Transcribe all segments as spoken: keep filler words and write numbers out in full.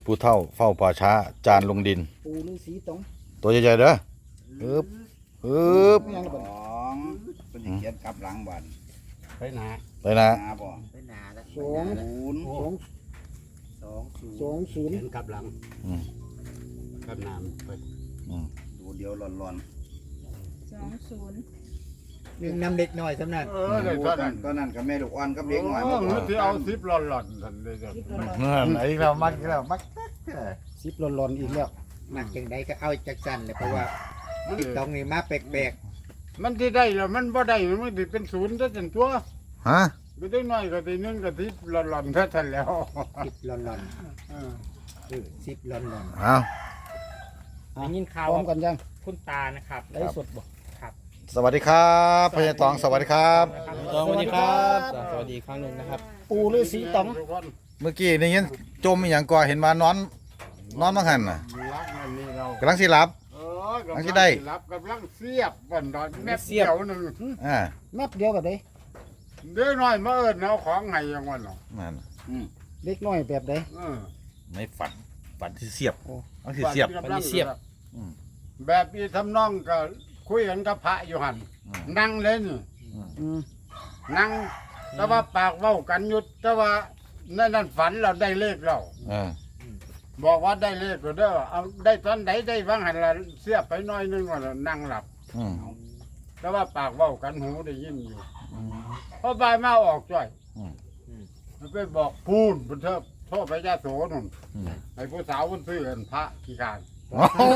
ผู้เฒ่าเฝ้าป่าช้าจานลงดินปูฤาษีตองตัวใหญ่ๆเด้อฮึบฮึบไม่ยังระเบิดสองเป็นสิเขียนกลับหลังบันไปหนาไปนะหาบ่ไปหนาแล้วสองศูนย์สองสองศูนย์สองศูนย์เห็นกลับหลังอืมกลับหนามไปอืมดูเดียวหลอนสองศูนย์หนึ่งนำเด็กหน่อยสำนักเอๆอเลยดูตอนกันั้น นก็นั่นกับแม่ลูกอ่อนกับเด็กหน่อยโอ้มาโหก่อนที่เอาซิปหล่อนๆทันเลยจ้ะคิดร้อนนั่นไอ้เรามักอีกแล้วมักสิบหลอนๆอีกแล้วหนักจังใดก็เอาจากสั้นเลยเพราะว่าตรงนี้มาแปลกมันที่ได้แล้วมันบ่ได้มันติเป็นศูนย์ซะจนตัวฮะไปได้น้อยก็ทีนึงก็ทิปหล่อนๆแท้ทันแล้วๆสิบหลอนเออๆเออสิบหลอนเอาอ่ะได้ยินข่าวพร้อมว่ากันยังคุณตานะครับไลฟ์สดบ่สวัสดีครับพญาตองสวัสดีครับสวัสดีครับสวัสดีครั้งหนึ่งนะครับปูฤาษีตองทุกคนเมื่อกี้นี่ยันจมอหย่างก่อเห็นว่านอนนอนมังหันน่ะรักนั่นนี่เรากำลังสิหลับเออกำอัลันงที่ได้รับกำลังเสียบวันนอนแม่เสียวหนึงอ่าแมปเดียวกับเด้เดี๋ยวน้อยมาเอิ้นเอาของให้ยังวันเนาะนั่นอืมเล็กน้อยแบบใดเออไม่ฝันฝันที่เสียบโอ้อันที่เสียบกำลังเสียบอืมแบบอีทำนองก็คุยกันกับพระอยู่หันอืมนั่งเลยนี่อืมนั่งแต่ว่าปากเว้ากันหยุดแต่ว่านั่นนั่นฝันเราได้เลขเราเออบอกว่าได้เลขก็เด้อเอาได้ตอนไหนได้บ้างหันละเสียบไปหน้อยนึงว่าแล้วนั่งหลับอืมแต่ว่าปากเว้ากันหูได้ยินอยู่อืมพอบ่ายมาออกจ้อยอืมมันไปบอกพูนบนเทิบโทษพระยาโสนุ่นอืมไอ้ผู้สาวคนซื้อเห็นพระขี้การโอ้โห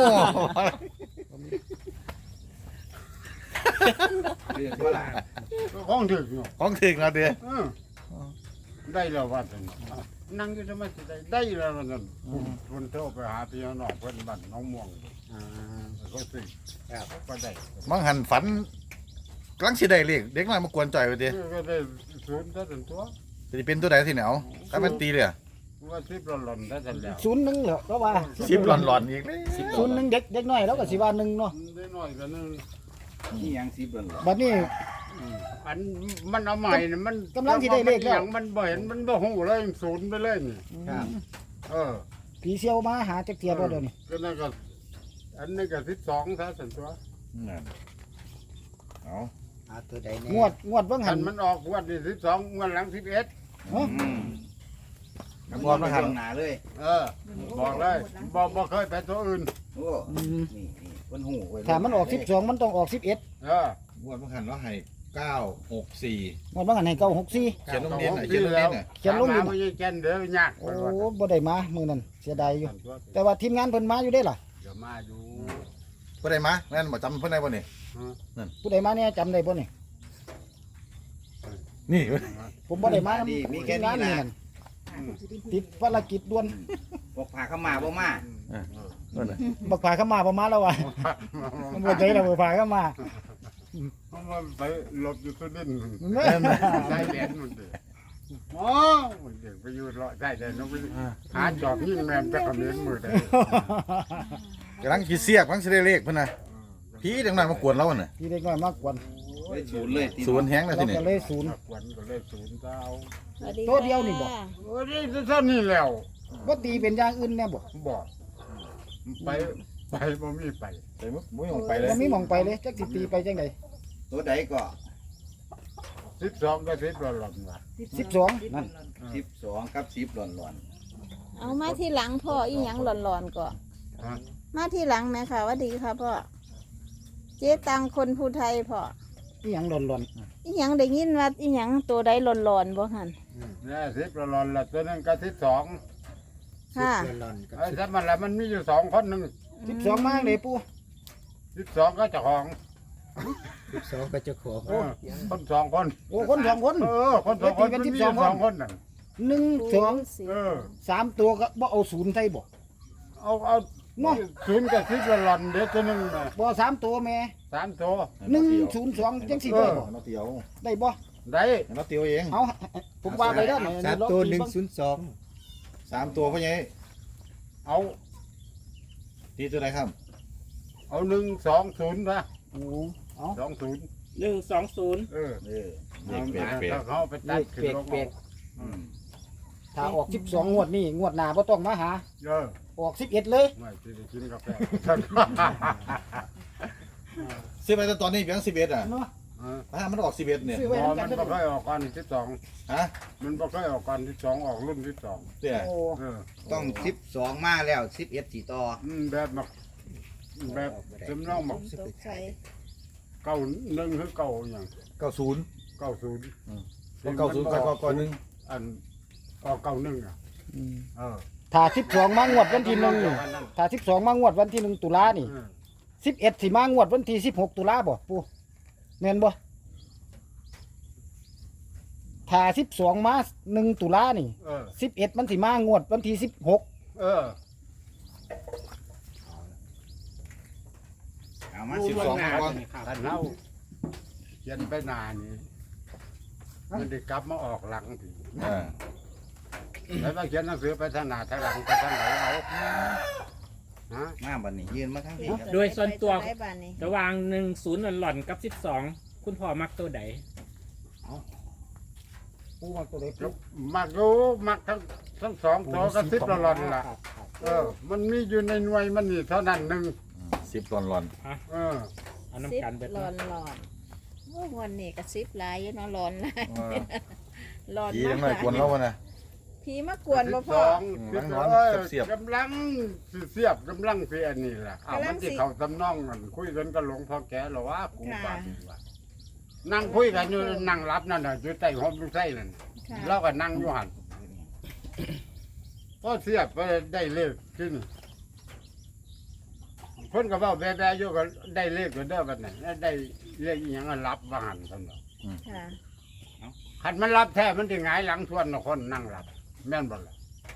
เรียกว่าล่ะก็ของถึกอยู่ของถึงแล้วเด้อเออได้แล้วว่าจังนั่งอยู่ทำไมสิได้ได้แล้วว่านั่นคนโทรไปหาพี่น้องเพื่อนบ้านน้องม่วงๆอ่าก็ซื้อก็ได้มังหันฝันกำลังสิได้เลขเด็กน้อยมากวนจ่อยไปดิก็ได้ศูนย์ถ้าถึงตัวจะเป็นตัวใดที่ไหนเอาถ้ามันตีเลยอะว่าซิบหล่นๆถ้าถึงแล้วศูนย์หนึ่งเหรอก็ว่าสิบหลอนๆอีกเลยศูนย์หนึ่งเด็กเด็กน้อยแล้วก็สิว่าหนึ่งเนาะได้น้อยกันนึงนี่ยังสิบหลอนบัดนี้อันมันเอาใหม่เนี่ยมันกำลังสิได้เลขแล้วมันบ่เห็นมันบ่หูเลยศูนย์ไปเลยนี่ครับเออผีเซียวมาหาจักเทียบ่เดี๋ยวนี้ก็นั่นก็อันนี้ก็สิบสองถ้าถึงตัวนั่นเอาเอาตัวใดแน่งวดงวดเบิ่งอัหันนมันออกงวันที่สิบสองงวันหลังสิบเอ็ดฮะอืมกับบอกมาหันหน้าเลยเออ บอกเลยบอกบอกเคยไปตัวอื่นโอ้อืมนี่นี่คนหูไว้ถ้ามันออกสิบสองมันต้องออกสิบเอ็ดเอองวดมังหันว่าให้เก้าหกสี่งวดเบิ่งหันให้เก้าหกสี่เขียนลงดินน่ะเขียนลงดินน่ะเขียนลงดินถามหาไม่ใช่เขียนเดี๋ยวยากโอ้บ่ได้มามื้อนั้นเสียดายอยู่ตัวแต่ว่าทีมงานเพิ่นมาอยู่ได้ล่ะเดี๋ยวมาอยู่เพื่อนใดมาแม่นบ่จำเพื่อนใดบ่นี่ผู้ใดมาเนี่ยจำได้บ่นี่นี่ผมบ่ได้มาดีมีแค่ทีงานี้นนี่นะนั่นติดภารกิจด่วนบอกพาเข้ามาบ่มานั่นน่ะบักผาเข้ามาประมาณแล้วว่ะมันบ่ได้แล้วบักผาเข้ามามันไปหลบอยู่ตัวดินแม่ได้แดนมันเด็กโอ้เด็กไปอยู่รอได้แต่น้องไปหาจอบยิ่งแมนจะคอมเมนต์มือได้กำลังขี้เสียกกำลังสิได้เลขเพิ่นน่ะผีเด็กน้อยมากวนเราน่ะพี่เด็กน้อยมากกวนได้ศูนย์เลยติศูนย์แฮงแล้วเราทีนี้ก็เลยศูนย์ขวัญก็เลยศูนย์เจ้าสวัสดีตัวเดียวนี่บ่ค่ะโอ้ยเท่านี้แล้วบ่ตีเป็นอย่างอื่นแน่บ่บอกไปไปบ่มีไปไปมุบ่ยองไปเลยบ่มีหม่องไปเลยจักสิตีไปจังได๋ตัวใดก็สิบสองก็สิบหล่นๆว่ะสิบสองนั่นสิบสองกับสิบหลอนหลอนเอามาที่หลังพ่ออีหยังหลอนๆก่อนฮะมาที่หลังไหมค่ะหว่าดีค่ะพ่อเจ๊ตังคนผู้ไทยพ่ออีหยังหล่อนอีหยังได้ยินว่าอีหยังตัวใดหลอนๆบ่หันเนี่ยสิบหล่นๆละตัวนึงก็สิบสองสิบค่ะหลอนๆกับไอ้สิบถ้ามันละมันมีอยู่สองคนหนึ่งๆสิบสองมาเลยปู่สิบสองก็เจ้าของสิบสองก็เจ้าของเออคนสองคนโอ้คนสองคนเออคนสองคนตีกัมัน นสิบมีสอองยู่คนสองคนน่ะหนึ่งสองเออสามตัวก็บ่เอาศูนย์ใส่บ่เอาเอาเนาะศูนย์กับสิบหล่อนๆเดี๋ยวตัวหนึงน่ะบ่สามตัวแม่สามตัวหนึ่งศูนย์สองจังสิได้บ่เราเตียวได้บ่ได้เราเตียวเองเอาผมว่าไปแล้วสามตัวหนึ่งศูนย์สองสามตัวพ่อใหญ่เอาตีตัวใดครับเอาหนึ่งสองศูนย์นะโอ้เอาสองศูนย์หนึ่งสองศูนย์เออเออเลขเปลกถ้าเขาไปตัดขึ้นลงเปลกอืมถ้าออกสิบสองงวดนี่งวดหน้าบ่ต้องมาหาเออออกสิบเอ็ดเลยไม่ที่ได้กินกาแฟซื้อไปแต่ตอนนี้เพียงสิบเอ็ดอ่ะเนาะเออถ้ามันออกสิบเอ็ดเนี่ยซื้อพไว้อนำกัมัน นเด้บ่อค่อยออกก่อนที่สองฮะมันบ่ค่อยออกก่อนที่สองออกรุ่นที่สองเนี่ยโอ้เออต้องสิบสองมาแล้วสิบเอ็ดสี่ต่ออืมแบบมักแบบจำลองมักตกใจเก้าหนึ่งหรือเก้าอย่างเก้าศูนย์เก้าศูนย์เก้าศูนย์ก่อนก่อนหนึ่งอันออกเก้าหนึ่งอ่ะอืมเออถ้าสิบสองมางวดวันที่หนึ่งนี่ถ้าสิบสองมางวดวันที่หนึ่งตุลานี่เออสิบเอ็ดสิมางวดวันที่สิบหกตุลาบ่ปูแม่นบ่ถ้าสิบสองมาหนึ่งตุลานี่เออสิบเอ็ดมันสิมางวดวันที่สิบหกเออเอามาสิบสองก่อนถ้าเล่าเขียนไปหนานี่มันได้กลับมาออกหลังทีอ่าแล้วมาเขียนหนังสือไปทางหน้าทางหลังไปทางไหนเอาฮะมาบัดนี้ยืนมาทางนี้ครับโดยส่วนตัวได้บ้านนี้ระหว่างหนึ่งศูนย์หล่อนๆกับสิบสองคุณพ่อมักตัวใดปูมาตัวเล็กก็มักรู้มักทั้งทั้งสองตัวก็สิบละหลอนล่ะ เออ มันมีอยู่ในหน่วยมันนี่เท่านั้นหนึ่งสิบหลอนหลอนเออเอาสิบน้ำกันเบิดหลอเนาะนหลอนโอ้วันนี้ก็สิบหลายอยู่เนาะหลอนหลายเออหลอนผีมายังไงกวนเราวะนะผีมากวนบ่สิบพ่สอองอืมสิบหลังเอ้ยๆเสียบๆกำลังสิเสียบกำลังสิอันนี้แหละเอากำลัมังนสิที่เขาตำน้องกันคุยกันกับหลวงพ่อแก่หรอว่ากูค่ะบาดนี่ว่านั่งคุยกันอยู่นั่งรับนั่นน่ะอยู่ใต้ห้องลูกไส้นั่นค่ะเราก็นั่งอยู่หันพอเสียบไปได้เลขขึ้นเพิ่นก็เว้าแบ่ๆอยู่ก็ได้เลขก็เด้อบัดนั้นได้เลขอีหยังก็รับว่าหันซั่นเนาะค่ะคันมันรับแท้มันสิหงายหลังทวนเนาะคนนั่งรับ แม่นบ่ล่ะ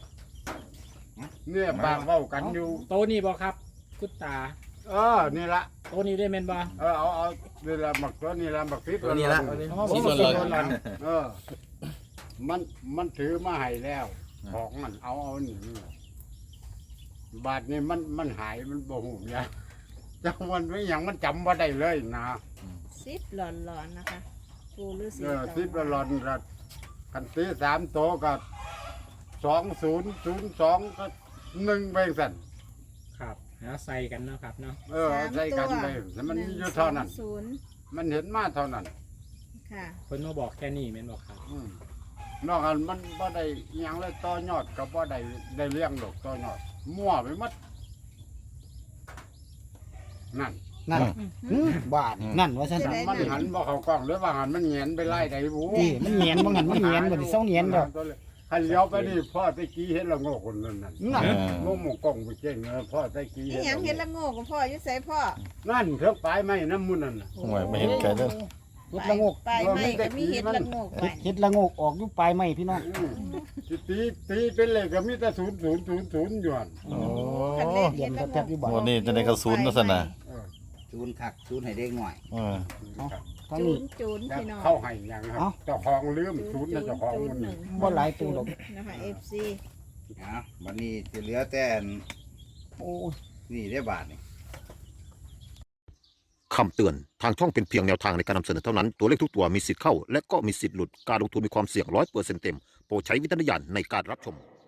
เนี่ยปากเว้ากันอยู่โตวนี้บ่ครับ คุณตาเออนี่ละโตวนี้ได้แม่นบ่เออเอาเอานี่ละหมักตัวนี่ละหมักพริกตัวนี้ละสิบหล่อนเออ มันมันถือมาให้แล้ว ของมันเอาเอาหนีบาทนี่มันมันหายมันบ่หูยาจังมันไม่หยังมันจำว่าได้เลยนะสิบหลอนหลอนนะคะ ปูฤาษีเออสิบละหลอนกักันตีสามโตวกับสองศูนย์ศูนย์สองก็หนึ่งไปสั่นครับแล้วใส่กันเนาะครับเนาะเออใส่กันไปแต่มันมีอยู่เท่านั้นหงสองศูนย์มันเห็นมาเท่านั้นค่ะเพิ่นมาบอกแค่นี้แม่นบ่ครับอืมนอกจากมันบ่ได้อิหยังเลยต่อยอดก็บ่ได้ได้เลี้ยงหรอกต่อยอดมั่วไปหมดนั่นนั่นอืมบาทนั่นว่าซั่นได้มันหันบ่เข้ากล้องหรือว่าหันมันเหงียนไปไล่ได้บูนี่มันเหงียนบ่งั้นมันเหงียนบ่นี่เซาเหงียนดอกคันเลี้ยวไปนี่พ่อตะกี้เห็นละโง่คนนั้นนั่นนั่นโง่หมกกล้องไปเจ๊งเลยพ่อตะกี้นี่หยังเห็นละโง่กับพ่ออยู่ไสพ่อนั่นเทือกปลายไม้น้ำมุนนั่นน่ะโอ้ยไม่เห็นไกลเด้อเฮ็ดละโงกไปไม่ก็มีเห็ดละโง่ไปเฮ็ดเฮ็ดละโงกออกอยู่ปลายไม้พี่น้องอืมสิตีตีเป็นเลขก็มีแต่ศูนย์ศูนย์ศูนย์ศูนย์อยู่หั่นโอ้คันเลขเรีเห็ยนดละแทโง่บๆอยู่บ่โหนี่จะได้กระสุนนะสนะเออศูนย์คักศูนย์ให้เด็กหน่อยเออทางจูนี้นจูนพี่น้องเข้าให้หยังครัเอ้าบเจ้าของลืมศูนย์น่ะเจ้าของจูมันหนึ่งบ่หลายตัวดอกนะคะ เอฟ ซีเอาบัดนี้จะเหลือแต่อันโอ้ยนี่ได้บาทนี่คำเตือน ทางช่องเป็นเพียงแนวทางในการนำเสนอเท่านั้น ตัวเลขทุกตัวมีสิทธิ์เข้า และก็มีสิทธิ์หลุด การลงทุนมีความเสี่ยงร้อยเปอร์เซ็นต์เต็ม โปรดใช้วิจารณญาณในการรับชม